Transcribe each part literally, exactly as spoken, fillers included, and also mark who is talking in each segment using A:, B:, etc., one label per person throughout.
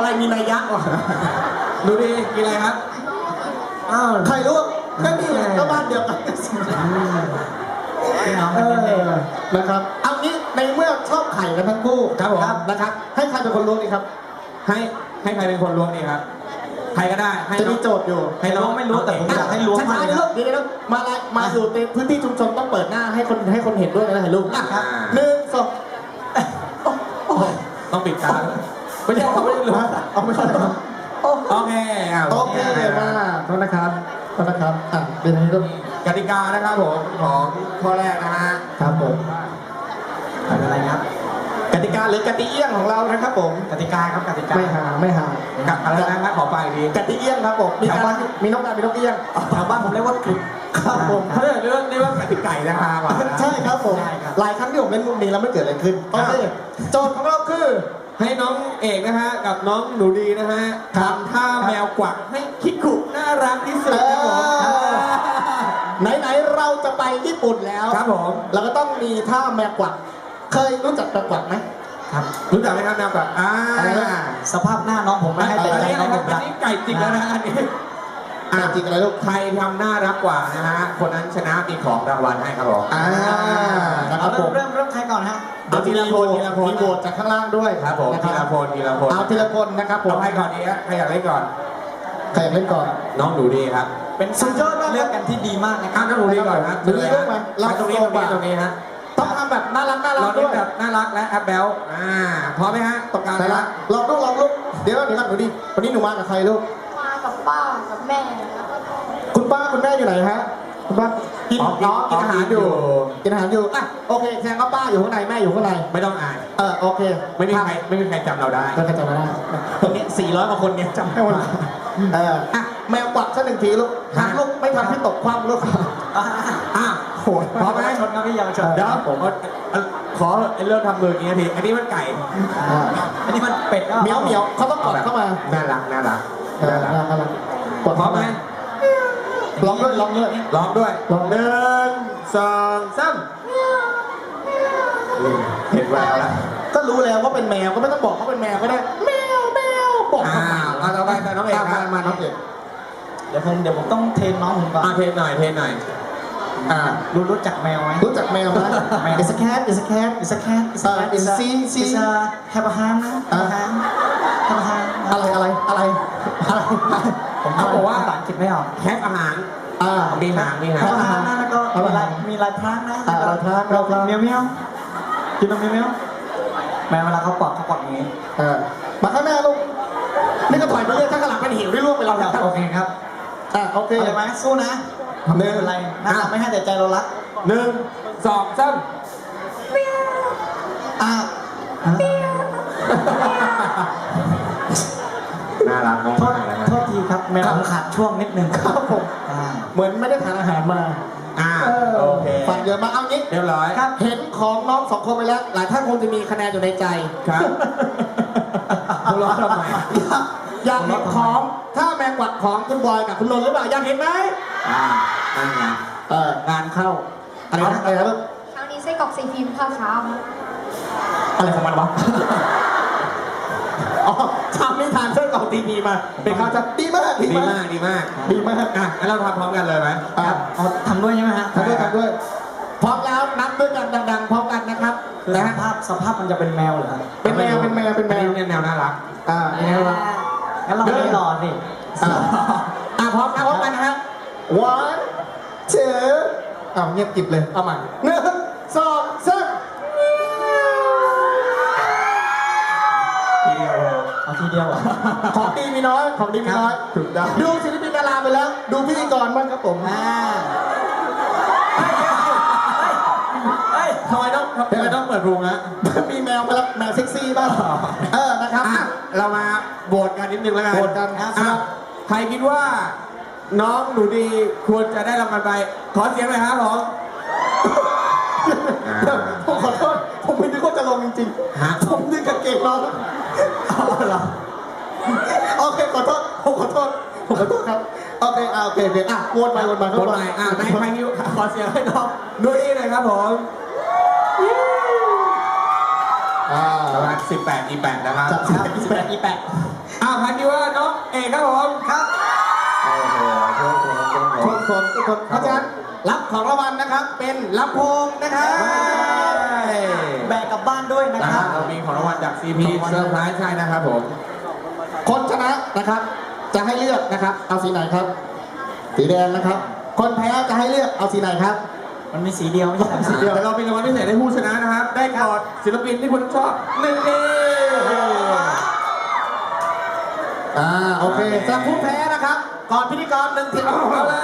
A: อะไรมีนัยยะวะดูดิกินอะไรครับอ้าวไข่ลวกก็นี่แหละก็บ้านเดียวกันเออนะครับเอางี้ในเมื่อชอบไข่กันทั้งคู่ครับผมนะครับให้ใครเป็นคนลวกดีครับให้ให้ใครเป็นคนลวกดีครับใครก็ได้จะมีโจทย์อยู่ให้น้องไม่รู้แต่ผมอยากให้ล้วงมาเลยเดี๋ยวๆมาเลยมาอยู่ในพื้นที่ชุมชนต้องเปิดหน้าให้คนให้คนเห็นด้วยนะถ่ายรูปอ่ะครับหนึ่งสองต้องปิดตาไม่ใช่เขาไม่ได้รู้เอาไม่ใช่โอเคโอเคมาโทษนะครับโทษนะครับอ่ะเป็นไงลูกกติกานะครับผมของข้อแรกนะฮะครับผมอะไรครับกติกาหรือกติเอี้ยงของเรานะครับผมกติกาครับกติกาไม่หาไม่หากับอะไรนะครับขอไปดีกติเอี้ยงครับผมมีการมีนกกามีนกเอี้ยงแถวบ้านผมเรียกว่ากลุ่มครับผมเขาเรียกเรื่องนี้ว่ากติไก่นะครับใช่ครับผมหลายครั้งที่ผมเล่นมุกนี้แล้วไม่เกิดอะไรขึ้นโอเคโจทย์ของเราคือให้น้องเอกนะฮะกับน้องหนูดีนะฮะทำท่าแมวกวักให้คิกคุน่ารักที่สุดครับผมไหนๆเราจะไปญี่ปุ่นแล้วครับผมเราก็ต้องมีท่าแมวกวักเคยรู้จักแมวกวักไหมครับรู้จักไหมครับแมวกวักอ่าสภาพหน้าน้องผมไม่ให้ใจน้องผมรักอันนี้ไก่จริงแล้วนะอันนี้อ่าจริงอะไรลูกใครทำน่ารักกว่านะฮะคนนั้นชนะมีของรางวัลให้ครับผมอ่าครับผมเริ่มเริ่มใครก่อนฮะเอาทีละคนทีละคนมีโหวตจากข้างล่างด้วยครับผมทีละคนทีละคนเอาทีละคนนะครับผมเอาใครก่อนดีฮะใครอยากเล่นก่อนใครอยากเล่นก่อนน้องหนูดีครับเป็นสุดยอดมากเลือกกันที่ดีมากนะครับน้องหนูดีก่อนครับหนูดีด้วยไหมเราตรงนี้ตรงนี้ตรงนี้ฮะต้องทำแบบน่ารักน่ารักด้วยแบบน่ารักและแอปเบลอ่าพร้อมไหมฮะตรงกลางนะลองลูกลองลูกเดี๋ยวเดี๋ยวกันหนูดีวันนี้หนูมากับใครลูก
B: มากับป้ากับแม่
A: คุณป้าคุณแม่อยู่ไหนฮะคุณป้ากินน้องกินอาหารอยู่กินอาหารอยู่อ่ะโอเคแสดงว่าป้าอยู่ข้างในแม่อยู่ข้างในไม่ต้องอ่านเออโอเคไม่มีใครไม่มีใครจำเราได้ไม่มีใครจำเราได้ตรงนี้สี่ร้อยกว่าคนเนี่ยจำได้หมดเอออ่ะแมวกวักสักหนึ่งทีลูกหักลูกไม่ทำให้ตกความลูกอ่ะโหดพร้อมไหมชนครับพี่ยาวชนเดี๋ยวผมขอเริ่มทำมืออย่างนี้ทีอันนี้มันไก่อันนี้มันเป็ดเหมียวเหมียวเขาต้องกอดเข้ามาน่ารักน่ารักน่ารักน่ารักกดพร้อมไหมร้องด้วยร้องด้วยร้องด้วยหนึ่งสองสามเห็นแววแล้วก็รู้แล้วว่าเป็นแมวก็ไม่ต้องบอกเขาเป็นแมวก็ได้แมวแมวบอกอ่าเอาต่อไปแต่น้องเอกมามาน้องเอกเดี๋ยวผมเดี๋ยวผมต้องเทรนน้องผมก่อนเทรนหน่อยเทรนหน่อยอ่ารู้รู้จักแมวไหมรู้จักแมวไหม It's a cat It's a cat It's a cat It's a cat It's a It's a have a hand นะ have a hand have a hand อะไรอะไรอะไรอะไรผมเขาบอกว่าภาษาอังกฤษไม่ออกแคปอาหารอ่ามีหางมีหางอาหารนะแล้วก็มีลายมีลายพรางนะลายพรางเราเมียวเมียวกินนมเมียวเมียวแมวเวลาเขาปอกเขาปอกอย่างนี้เออมาข้างหน้าลูกนี่ก็ถอยไปเรื่อยถ้าข้างหลังเป็นหิวได้ร่วงไปแล้วโอเคครับอ่าโอเคอะไรไหมสู้นะหนึ่งอะไรน่ารักไม่ให้แต่ใจเรารักหนึ่งสองสามอ่าน่ารักมากโทษทีครับแมวขาดช่วงนิดนึงครับผมเหมือนไม่ได้ทานอาหารมาอ่าโอเคฝากเยอะมาเอางี้เรียบร้อยครับเห็นของน้องสองคนไปแล้วหลายท่านคงจะมีคะแนนอยู่ในใจครับคุณร้องทำไมอยากเห็นของถ้าแมงกวักของคุณบอยกับคุณนนท์หรือเปล่าอยากเห็นไหมอ่านั่นไงเอองานเข้าอะไรนะอะไรนะลูก
B: เช้านี้ไส้กรอกซีฟิล์มข้าวเช้า
A: อะไรของมันวะอ๋อทำไม่ทานเส้นกรอกตีนีมาเป็นข้าวจะดีมากดีมากดีมากดีมากอ่ะงั้นเราทำพร้อมกันเลยไหมครับอ๋อทำด้วยใช่ไหมฮะทำด้วยทำด้วยพร้อมแล้วนับด้วยกันดังๆพร้อมกันนะครับนะสภาพสภาพมันจะเป็นแมวเหรอเป็นแมวเป็นแมวเป็นแมวแนวน่ารักอ่าแนวงั้นเราไม่รอสิอ่าพร้อมนะพร้อมกันนะฮะ one two อ้าวเงียบกริบเลยเอาใหม่หนึ่งสองสามเอาทีเดียวอ่ะของดีมีน้อยของดีมีน้อยถูกต้องดูศิลปินดาราไปแล้วดูพิธีกรบ้างครับผมอ่าทำไมต้องทำไมต้องเปิดรูมนะมีแมวมาแล้วแมวเซ็กซี่บ้างเออนะครับเรามาโหวตกันนิดนึงแล้วกันโหวตกันครับใครคิดว่าน้องหนูดีควรจะได้รางวัลไปขอเสียงหน่อยครับผมผมขอโทษผมไม่นึกว่าจะลงจริงๆผมนึกกางเกงน้องเอาละโอเคขอโทษผมขอโทษผมขอโทษครับโอเคอ่าโอเคโอเคอ่ะวนไปวนมาวนไปอ่ะในใครนิ้วขอเสียงให้น้องหนูดีหน่อยครับผมอ่าประมาณสิบแปด อี แปดนะครับสิบแปด อี แปดอ้าวใครคิดว่าน้องเอกครับผมครับโอ้โหโชคดีโชคดี
C: ชมชมทุกคนเพราะฉะนั้นรับของรางวัลนะครับ เป็นลำโพงนะครับแบกกลับบ้านด้วยนะ
A: นะ
C: ค
A: ค
C: รั
A: รับบ เรามีของรางวัลจาก ซี พี เซอร์ไพรส์ใช่นะครับผม
C: คนชนะนะครับ จะให้เลือกนะครับ เอาสีไหนครับ สีแดงนะครับ คนแพ้จะให้เลือกเอาสีไหนครับ มันมีสีเดียวไม่ใช่สีเดียว
A: แต่เรามีรางวัลพิเศษให้ผู้ชนะนะครับ ได้กอดศิลปินที่คุณชอบหนึ่งเอ
C: อ่าโอเคสำหรับผู้แพ้นะครับก่อนพิธีกรหนึ่งที
A: เอาเลย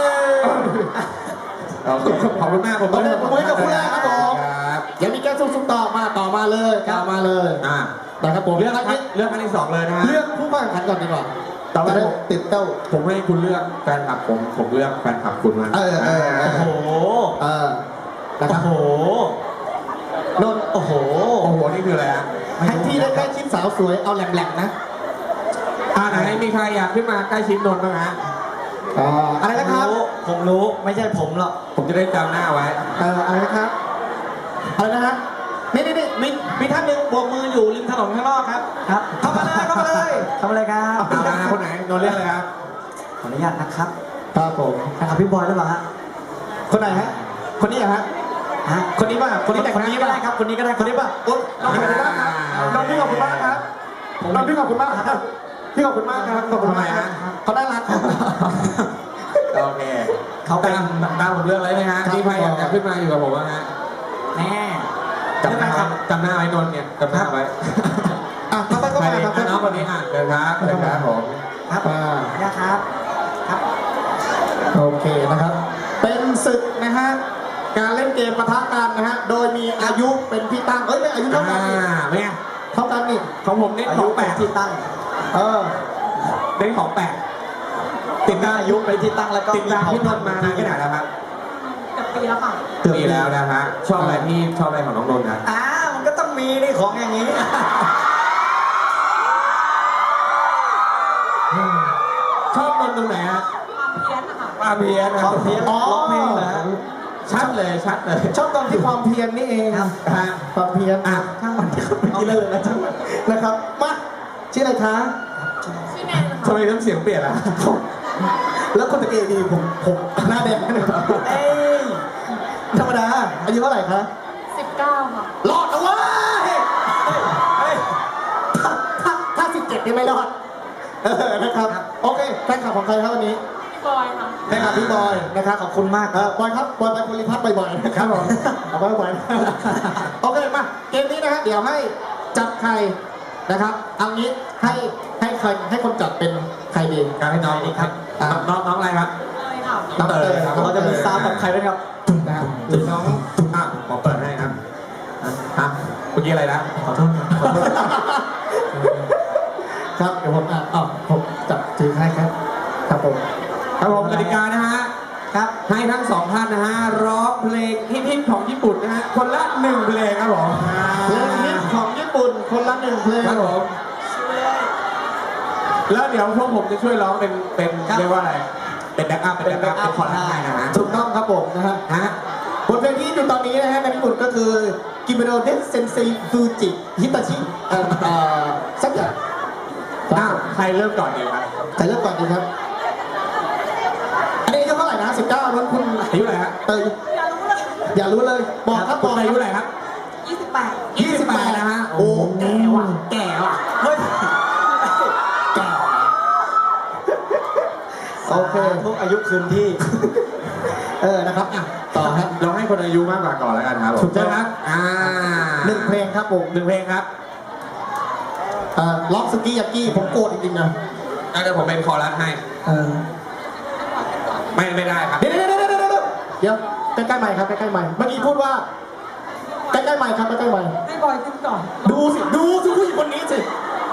A: โอเคขอบคุณมากผม
C: ขอบคุณผมกับผู้แรกครับผม
A: ครับ
C: ยังมีแก้วซุ่มๆต่อมาต่อมาเลยต่อมาเลย
A: อ่า
C: นะครับผม
A: เลือก
C: ครั้งนี้
A: เลือกครั้งที่สองเลยนะฮะ
C: เลือกผู้เข้าแข่งขันก่อนดีกว่า
A: ต่อไป
C: จะได้
A: ผม
C: ติดเต้า
A: ผมให้คุณเลือกแฟนคลับผมผมเลือกแฟนคลับคุณมา
C: เออเออเออ
D: โอ้โห
C: เออนะครับ
D: โอ้โห
C: นนท์โอ้โห
A: โอ้โหนี่คืออะไรฮะ
C: ให้ที่ได้ใกล้ชิดสาวสวยเอาแหลมๆนะ
A: อ่าไหนมีใครอยากขึ้นมาใกล้ชิดนนท์บ้างฮะ
C: อ่าอะไรนะครับ
D: ผมรู้ไม่ใช่ผมหรอก
A: ผมจะได้จำหน้าไว้
C: เอออะไรนะครับอะไรนะฮะนี่นี่นี่มีมีท่านหนึ่งโบกมืออยู่ริมถนนข้างนอกครับ
D: ครับ
C: เข้ามาเลยเข้ามาเลย
D: ทำอะไรครับ
A: เอามาคนไหนนนท์เลือกเลยครับ
D: ขออนุญาตนะครับ
C: ครับผม
D: นะครับพี่บอยหรือเปล่าฮะ
C: คนไหนฮะคนนี้เหรอฮะ
D: ฮะ
C: คนนี้ป่ะคนนี้แต่ง
D: คน
C: หน้า
D: นี้ก็ได้ครับ คนนี้ก็ได้
C: คนนี้ป่ะโอ๊ยน้องขอบคุณมากครับน้องพี่ขอบคุณมากครับน้องพี่ขอบคุณมากครับพี่ขอบคุณมากครับขอบคุณ
A: ทำไม
C: มาก
A: ฮะ
C: เขาน่ารักครับ
A: โอเคเขาตามตามผมเลือกเลยไหมฮะมีใครอยากจะขึ้นมาอยู่กับผมบ้างฮะ
D: แน่
A: จำหน้าจำหน้าไว้นนท์เนี่ยจำหน้าไว้
C: อ่ะต่อไปก็
A: ใคร
C: มา
A: ดี
C: ครับ
A: อ่ะน้องคนนี้อ่ะเดินครับเดินครับผม
D: ครับ
C: อ่า
D: นะครับ ครับ
C: โอเคนะครับ เป็นศึกนะฮะการเล่นเกมปะทะกันนะฮะโดยมีอายุเป็นที่ตั้งเอ้ยไม่อายุเท่ากันนี่
A: อ่าเนี่ย
C: เท่ากันนี่
A: ของผมเน้น
D: อา
A: ข
D: ยุ
A: องแป
D: เป็น
A: ลก
D: ที่ตั้ง
C: เออ
A: เน้นของแปลกติดตาม
D: อายุเป็นที่ตั้งแล้วก็
A: ติดตามพี่นนท์มานานแค่ไหนแล้วครับ
B: เกับปีแล้วค่ะ
A: ปีแล้วนะฮะชอบอะไรที่ชอบอะไรของน้องนนท์นะ
D: อ้าวมันก็ต้องมีนี่ของอย่างนี้
A: ชอบนนท์ตรงไหนฮะ
B: ความเพี้ยนนะคะ
A: ความเพี้ยนนะ
D: ความเพี้ยน
C: อ๋อ
D: ร้องเพลงเหรอฮะ
A: ชัดเลยชัดเลย
C: ชอบตอนที่ความเพียรนี่เอง
D: ครับ
A: ฮะ
C: ความเพียร
A: อ่ะ
C: ช่างมันที่เขาเมื่อกี้เลยนะช่างมันนะครับมาชื่ออะไรคะ
B: ชื่อแนนนะ
A: ทำ
B: คะ
A: ไมน้ำเสียงเปลี่ยนอ่ะ
C: แล้วคนตะเกียดีผมผมหน้าแดงเลย
D: เอ้ย
C: ธรรมดาอายุเท่าไหร่คะ
B: สิบเก้าค่ะ
C: รอดเอาไว้เฮ้ยถ้าถ้าถ้าสิบเจ็ดนี่ไม่รอดเออนะครับโอเคแฟนคลับของใครครับวันนี้
B: พี่บอยค่ะ
C: แฟนคลับพี่บอยนะครับ
D: ขอบคุณมาก
C: เออบอยครับบอยไปภูริพัฒน์บ่อยๆนะครับผมเอาไปบ่อยๆโอเคมาเกมนี้นะฮะเดี๋ยวให้จับใครนะครับเอางี้ให้ให้ใครให้คนจับเป็นใครดี
A: การให้น้องนี่ครับน้องน้องอะไรครับ
B: เลยค่ะ
A: น้องเตยครับ
D: เราจะมีซาวด์กับใครด้วยครับ
C: นะครับ
A: หรือน้องอ่ะผมเปิดให้ครับฮะเมื่อกี้อะไรนะ
D: ขอโทษครับขอโทษ
C: ครับเดี๋ยวผมอ่ะอ๋อผมจับถือให้ครับครับผม
A: ครับผมกติกานะฮะ
D: ครับ
A: ให้ทั้งสองท่านนะฮะร้องเพลงฮิตๆของญี่ปุ่นนะฮะคนละหนึ่งเพลงครับผม
C: เพลงฮิตของญี่ปุ่นคนละหนึ่งเพลง
A: ครับผมแล้วเดี๋ยวพวกผมจะช่วยร้องเป็นเป็น
D: ครับ
A: เรียกว่าอะไรเป็นแบ็กอัพเป็นแบ็กอัพเป็นคอร์ดให้นะฮะ
C: ถูกต้องครับผมนะฮะ
A: ฮะ
C: บทเพลงที่อยู่ตอนนี้นะฮะในญี่ปุ่นก็คือกิมิโนเดเซนเซฟูจิฮิตาชิเอ่อเอ่อสักอย่าง
A: อ้าวใครเริ่มก่อนดีครับ
C: ใครเริ่มก่อนดีครับอันนี้อายุเท่าไหร่นะสิบเก้านั้นคุณ
A: อายุอะไรฮะ
C: เตย
B: อย่ารู้เลย
C: อย่ารู้เลยบอกครับบ
A: คุ
C: อ
A: ณ
C: ก
A: อายุอะไรครับ
B: ยี่สิบแปด
A: ยี่สิบแปดนะฮะ
C: โอ้แก่ว่ะแก่ว่ะ
D: เฮ้ย
C: แก่โอเค
D: ทุกอายุคืนที่
C: เออนะครับอ่ะต่อครับ
A: เราให้คนอายุมากกว่าก่อนแล้วกันครับผม
C: ถูกต้อง
A: เชิญครับอ่า
C: หนึ่งเพลงครับผม
A: หนึ่งเพลงครับ
C: เอ่อล็อกสกี้ยากี้ผมโกรธจริงๆนะ
A: อ่ะเดี๋ยวผมเป็นคอรัสให้
C: เออ
A: ไม่ไม่ได้ครับ
C: เดี๋ยวเดี๋ยวเดี๋ยวเดี๋ยวเดี๋ยวเดี๋ยวใกล้ๆใหม่ครับใกล้ๆใหม่เมื่อกี้พูดว่าใกล้ๆใหม่ครับใกล้ๆใหม่
B: ให้บอยขึ้นก่อน
C: ดูสิดูสิผู้หญิงคนนี้สิ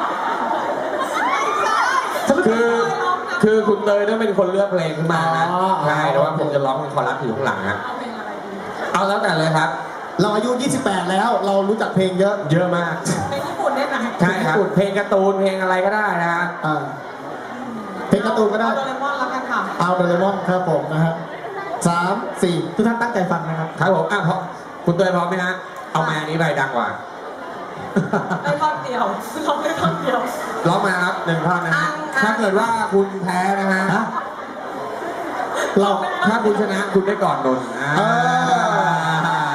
A: คือคือคุณเตยต้องเป็นคนเลือกเพลงขึ้นมานะ
C: อ๋อ
A: ใช่แต่ว่าผมจะร้องเป็นคอรัสอยู่ข้างหลังนะ
B: เอาเพลงอะไรดี
A: เอาแล้วแต่เลยครับ
C: เราอายุยี่สิบแปดแล้วเรารู้จักเพลงเยอะ
A: เยอะมาก
B: เพลงญี่ปุ่นได้ไหม
A: ใช่ครับ เพลงการ์ตูนเพลงอะไรก็ได้นะฮะ
C: อ่าเพลงการ์ตูนก็ได้
B: เอาโดเรมอนแล้วกันค่ะ
C: เอาโดเรมอนครับผมนะฮะสามสี่ทุกท่านตั้งใจฟังนะครับ
A: ครับผมอ่ะพอคุณเตยพร้อมไหมฮะเอามาอันนี้ไปดังกว่า
B: ได้ท่อนเดียวยวร้องได้ท่อนเดียว
A: ร้องมาครับหนึ่งท่อนนะฮะ
B: อ่ะ
A: ถ้าเกิดว่าคุณแพ้นะฮะ
C: เรา
A: ถ้าคุณชนะคุณได้ก่อนนนท์อ่า
C: เออ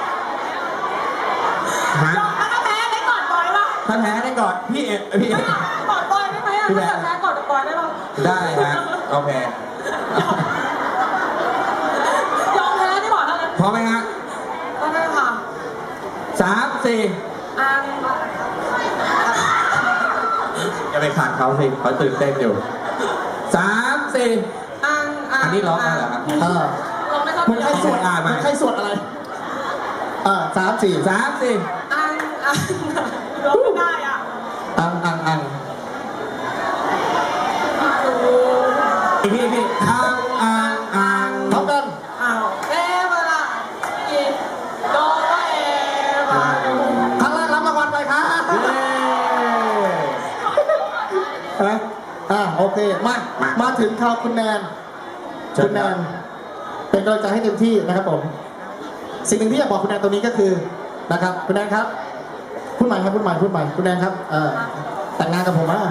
A: ฮะ
B: ร้องถ้าแพ้ได้ก่อนบอยป่ะ
A: ถ้าแพ้ได้ก่อนพี่เอ็พี่เอ็
B: ก่อนบอยได้ไหมอ่ะ
A: พี่แบ
B: ถ้าง
A: ค์
B: แพ้ก่อนบอยได้ป่ะ
A: ได้ฮะโอเค
B: ยอมแพ้ดีกว่าเท่านั้น
A: พร้อมไหมฮะ
B: ก็ได้ค่ะ
A: สามสี่
B: อัน
A: อย่าไปขาดเขาสิเขาตื่นเต้นอยู่สามสี่
B: อันอัน
A: อันนี้ร้องได้เหรอครับ
C: เออ
B: ร้องไม่ต้อง
C: มึงใครสวด
A: อ่ามา
C: มึงใครสวดอะไรเออสามสี่
A: สามสี่
B: อันอันร้องไม่ได้อ่ะ
C: อังอังอัง
A: อีกทีอีกทีอ่างอ่างอ่าง
C: พร้อมกัน
B: อ้าวเอเวลาอีโดเอเวลา
C: ครั้งแรกรับรางวัลไปครับ
A: เย้
C: อะไรอ่าโอเคมามาถึงข่าวคุณแนน
A: เชิ
C: คุ
A: ญ
C: ณแน
A: ครับ
C: นเป็นกำลังใจให้เต็มที่นะครับผม สิ่งหนึ่งที่อยากบอกคุณแนนตรงนี้ก็คือนะครับคุณแนนครับพูดใหม่ครับพูดใหม่พูดใหม่คุณแนนครับเออแต่งงานกับผมอ่ะ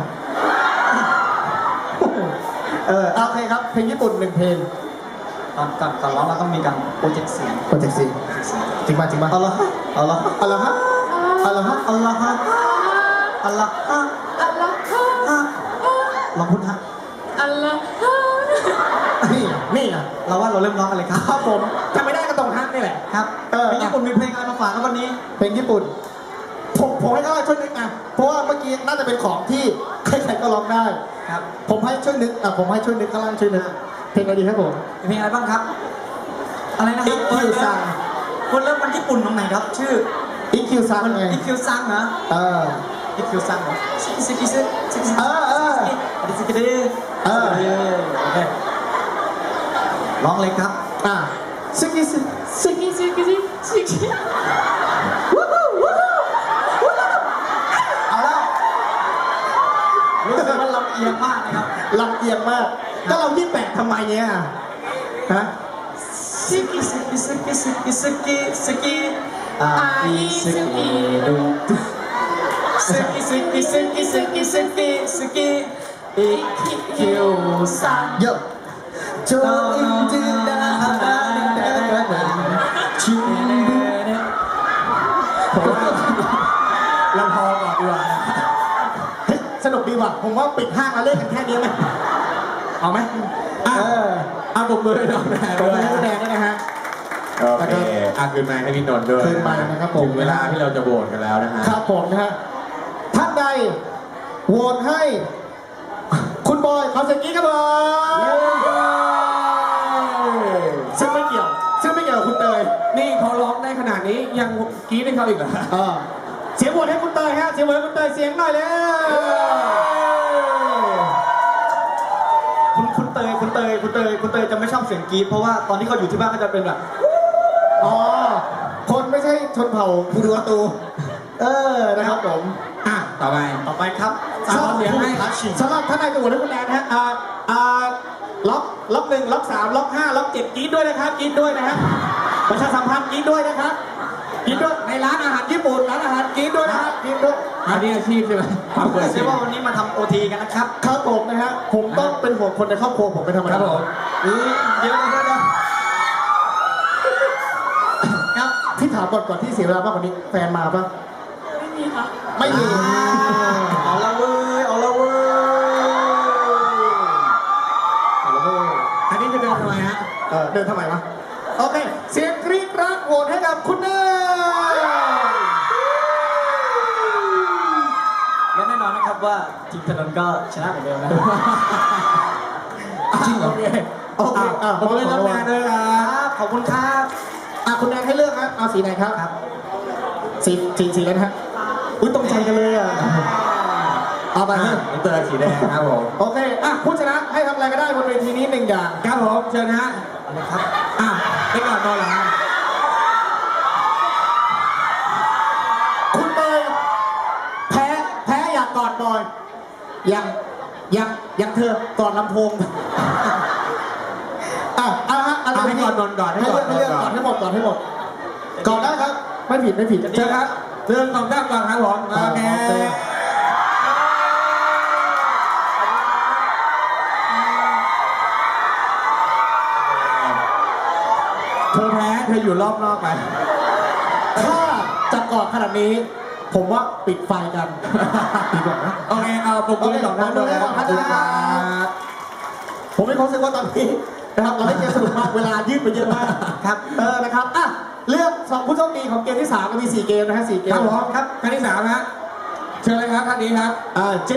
C: เออโอเคครับเพลงญี่ปุ่นหนึ่งเพลง
D: ตอนก่อนก่อนร้องเราต้องมีการโปรเจกต์เสียง
C: โปรเจกต์ซีจริงป่ะจริงป่ะ
D: เอาละฮะเอาละฮะ
C: เอาละฮะเอาละฮะ
D: เอาละฮะเอาละฮะ
B: อัลลอฮ์
D: ฮะลองพูดฮะ
B: อัลลอฮ์
C: นี่นี่อ่ะ
D: เราว่าเราเริ่มร้องกันเลยครับ
C: ครับผมจำไม่ได้ก็ตรงฮักนี่แหละ
D: ครับ
C: เออ
D: มีญี่ปุ่นมีเพลงอะไรมาฝากครับวันนี้
C: เพลงญี่ปุ่นผมผมให้เขาช่วยนึกอ่ะเพราะว่าเมื่อกี้น่าจะเป็นของที่ใครๆก็ร้องได้
D: ครับ
C: ผมให้ช่วยนึกอ่ะผมให้ช่วยนึกข้างล่างช่วยนึกเพลงอะไรดีครับผม
D: มีเพลงอะไรบ้างครับ อะไรนะค
C: อิ
D: รับ
C: คิวซัง
D: คนเริ่มมันญี่ปุ่นตรงไหนครับ ชื่อ
C: อิคิวซังไง
D: อีคิวซังเหรอ
C: เออ
D: อีคิวซังเหรอซิกิซิกิซิซิกิซิ
C: เออเออ
D: ซิกิซิกิ
C: เออ
D: โอเคร้องเลยครับ
C: อ่ะซึกิซึ
B: ซิกิซิกิซิซิกิ
C: วู้ฮู้วู้ฮู้วู้ฮู้
D: เอาแล้วรู้สึกว่าลำเอียงมากนะครับ
C: ลำเอียงมากก็เรายี่แปดทำไมเนี่ยฮะ
D: ซิกิซิกิซิกิซิกิซิกิซิกิอาอีซิกิดูซิกิซิกิซิกิซิกิซิกิซิกิอีคิวซัง
C: เยอะจนอินจินาฮานาเดกันชิมผมว่า
A: เราพอก่อนดีกว่านะ
C: เฮ้ยสนุกดีว่ะผมว่าปิดห้างแล้วเล่นกันแค่นี้ไหม
A: เอาไหมอ่ะ
C: เออ
A: เอาปมมือให้น้องแนน
C: ตร
A: ด้
C: ง
A: วย
C: นี้แดงด้วยนะฮะ
A: โอเคอ่ะคืนไมค์ให้พี่นนท์ด้วย
C: คืนไมค์นะครับผม
A: ถึงเวลาที่เราจะโหวตกันแล้วนะฮะ
C: ครับผมนะฮะท่านใดโหวตให้ คุณบอยขอเสียงกรี๊ดครับผมซึ่งไม่เกี่ยว ซึ่งไม่เกี่ยวกับคุณเตย
A: นี่เขาร้องได้ขนาดนี้ยังกรี๊ดให้เขาอีกเหรอ
C: เออเสียงโหวตให้คุณเตยฮะเสียงโหวตให้คุณเตยเสียงหน่อยเลย
D: คุณคุณเตยคุณเตยคุณเตยคุณเตยจะไม่ชอบเสียงกรี๊ดเพราะว่าตอนที่เขาอยู่ที่บ้านก็จะเป็นแบบ
C: อ๋อคนไม่ใช่ชนเผ่าภูดูอาตู เออนะครับผม
A: อ่ะต่อไป
D: ต่อไปครับ
A: สามเสียงให้
C: สำหรับท่านใดจะโหวตให้คุณแนนนะฮะอ่าอ่าล็อกล็อกหนึ่งล็อกสามล็อกห้าล็อกเจ็ดกรี๊ดด้วยนะครับกรี๊ดด้วยนะฮะประชาสัมพันธ์กรี๊ดด้วยนะครับกรี๊ดด้วยในร้านอาหารญี่ปุ่นร้านอาหารกรี๊ดด้วยนะครับกรี๊ดด้วย
A: อันนี้อาชีพใช่ไหมความเปิด
D: เรี
A: เสี
D: ย
A: ย
D: ก
A: ง
D: ว่าวันนี้มาทำโอทีกันนะครับ
C: ครับผมนะฮะผมต้องเป็นห่วงคนในครอบครัวผมเป็นธรรม
A: ค
C: ดา
A: รับผม
C: นี่
D: เดี๋ยวเดี๋ยวเดี๋ยวครับ
C: ที่ถามก่อนก่อนที่เสียเวลามากกว่านี้แฟนมาปะ
B: ไม่มีค่ะ
C: ไม่มี
D: เอาละเว้ยเอาละเว้ย
C: เอาละเว้ย
A: อันนี้จะเดินทำไมฮะ
C: เออเดินทำไมวะโอเคเสียงกรี๊ดรักโหวตให้กับคุณเนย
D: และแน่นอนนะครับว่าทีมถนนก็ชนะเหมือนเดิมนะ
A: จริงโอเค
C: โอเคอ่ะ
A: ผมเลยรับงานด้วยค
D: ค
A: รั
D: รับ บขอบคุณครับ
C: อ่ะคุณแนนให้เลือกครับเอาสีไหนครับ
D: ครับ
C: สีสีสีแล้วนะฮะอุ้ยตรงใจกันเลยอ่ะเอาไป
A: อ่ะ
C: เถอะ
A: น้ำเตยสีแดงครับผม
C: โอเคอ่ะผู้ชนะให้ทำอะไรก็ได้บนเวทีนี้หนึ่งอย่าง
A: ครับผมเชิญนะฮะ
D: เอาเลยครับ
A: อ่ะไปก่อนนอนเหรอฮะ
C: คุณเตยแพ้แพ้อยากกอดบอยยังยังยังเธอกอดลำโพงอ่ะเอาละฮะอะไร
A: เอาให้ก่อนนอนก่อนให้
C: ให้
A: ก่อ
C: เลือน กให้เลือก
A: ก่
C: ก่
A: อ
C: อน นให้หมดก่อนให้หมดก่อนได้ครับ ไม่ผิดไม่ผิด
A: เชิญครับเรื่องของด้านก่อนครับผมโอเคเธอแพ้เธออยู่รอบนอกไป
C: ถ้าจะกอดขนาดนี้ ผมว่าปิดไฟกันดีกว่านะ
A: โอเคเอาปลุกมือสองท่านด้วยนะครับ
C: ขอบคุณครับ ผมมีความรู้สึกว่าตอนนี้นะครับเราได้เกมสนุกมากเวลายืดไปเยอะมากครับเออนะครับอ่ะเลือกสองผู้โชคดีของเกมที่สามก็มีสี่เกมนะฮะสี่เก
A: ค
C: ม
A: รับผมครับท่านที่สามฮะเชิญเลยครับท่านนี้ครับ
C: อ่า